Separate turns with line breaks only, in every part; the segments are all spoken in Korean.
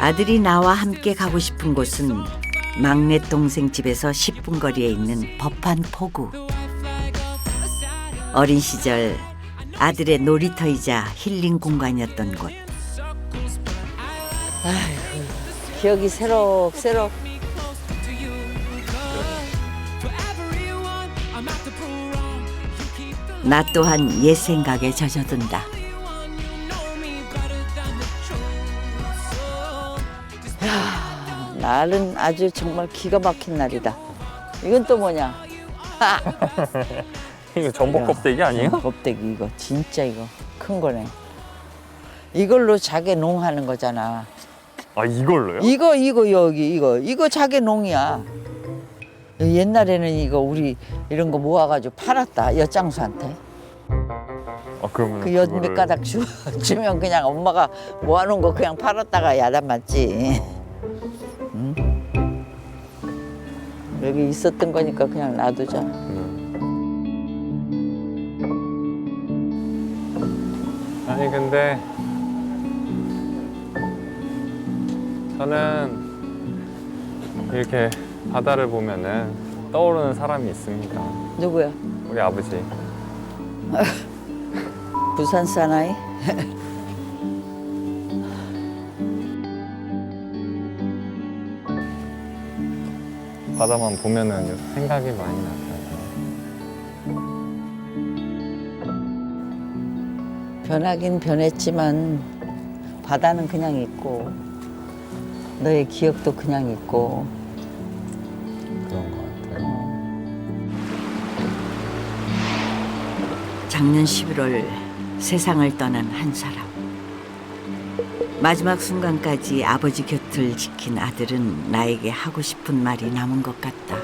아들이 나와 함께 가고 싶은 곳은 막내 동생 집에서 10분 거리에 있는 법한 포구. 어린 시절 아들의 놀이터이자 힐링 공간이었던 곳.
아이고, 기억이 새록새록.
나 또한 옛 생각에 젖어든다.
날은 아주 정말 기가 막힌 날이다. 이건 또 뭐냐?
이거 전복 껍데기 아니에요?
껍데기 이거 진짜 이거 큰 거네. 이걸로 자개 농하는 거잖아.
아, 이걸로요?
이거 여기 이거 자개 농이야. 옛날에는 이거 우리 이런 거 모아가지고 팔았다 엿장수한테.
아, 그러면
그 엿 몇 가닥 주면 그냥 엄마가 모아놓은 거 그냥 팔았다가 야단 맞지. 응? 여기 있었던 거니까 그냥 놔두자.
아니, 근데 저는 이렇게 바다를 보면은 떠오르는 사람이 있습니다.
누구야?
우리 아버지.
부산 사나이?
바다만 보면은 생각이 많이 나요.
변하긴 변했지만 바다는 그냥 있고 너의 기억도 그냥 있고.
그런 것 같아요.
작년 11월 세상을 떠난 한 사람. 마지막 순간까지 아버지 곁을 지킨 아들은 나에게 하고 싶은 말이 남은 것 같다.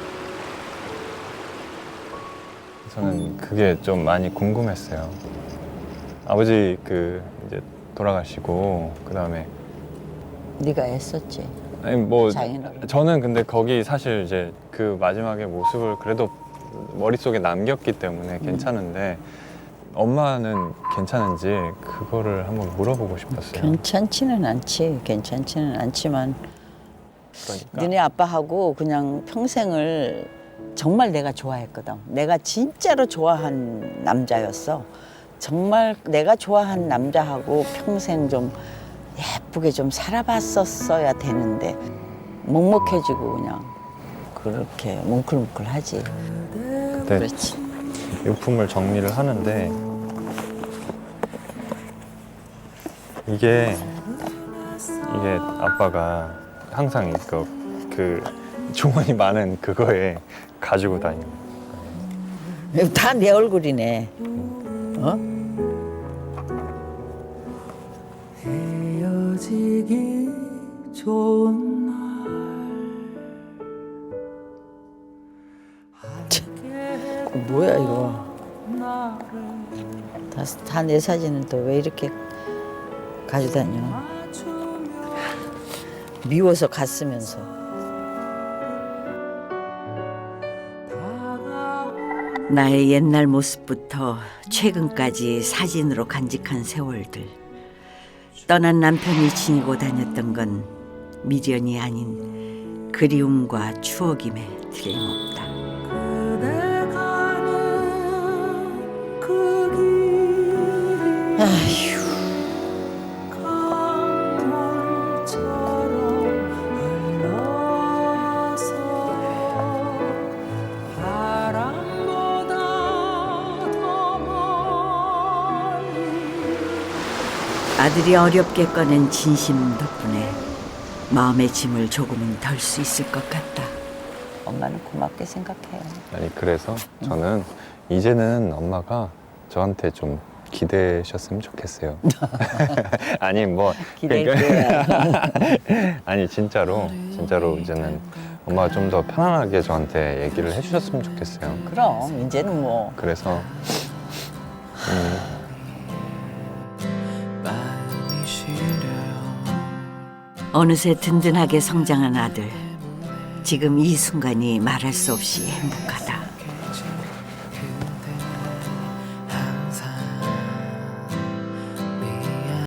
저는 그게 좀 많이 궁금했어요. 아버지 이제 돌아가시고 그다음에
네가 애썼지.
아니 뭐
장인어른.
저는 근데 거기 사실 이제 그 마지막의 모습을 그래도 머릿속에 남겼기 때문에 괜찮은데 엄마는 괜찮은지 그거를 한번 물어보고 싶었어요.
괜찮지는 않지만
그러니까
너네 아빠하고 그냥 평생을 정말 내가 좋아했거든. 내가 진짜로 좋아한 남자였어. 정말 내가 좋아한 남자하고 평생 좀 예쁘게 좀 살아봤었어야 되는데 먹먹해지고 그냥 그렇게 뭉클뭉클하지.
그때
그렇지.
유품을 정리를 하는데 이게 아빠가 항상 그 주머니 많은 그거에 가지고 다니는
다 내 얼굴이네. 어?
헤어지기 좋은 날
뭐야 이거? 다 내 사진은 또 왜 이렇게 가져다녀? 미워서 갔으면서.
나의 옛날 모습부터 최근까지 사진으로 간직한 세월들. 떠난 남편이 지니고 다녔던 건 미련이 아닌 그리움과 추억임에 틀림없다.
그대 가는 그 길이
아휴.
강물처럼 흘러서 바람보다 더 멀리
아들이 어렵게 꺼낸 진심 덕분에 마음의 짐을 조금은 덜 수 있을 것 같다.
엄마는 고맙게 생각해.
아니 그래서 저는 이제는 엄마가 저한테 좀 기대셨으면 좋겠어요. 아니 뭐
기댈게요.
아니 진짜로 이제는 엄마가 좀 더 편안하게 저한테 얘기를 해주셨으면 좋겠어요.
그럼 이제는 뭐
그래서
마음이 시려
어느새 든든하게 성장한 아들. 지금 이 순간이 말할 수 없이 행복하다.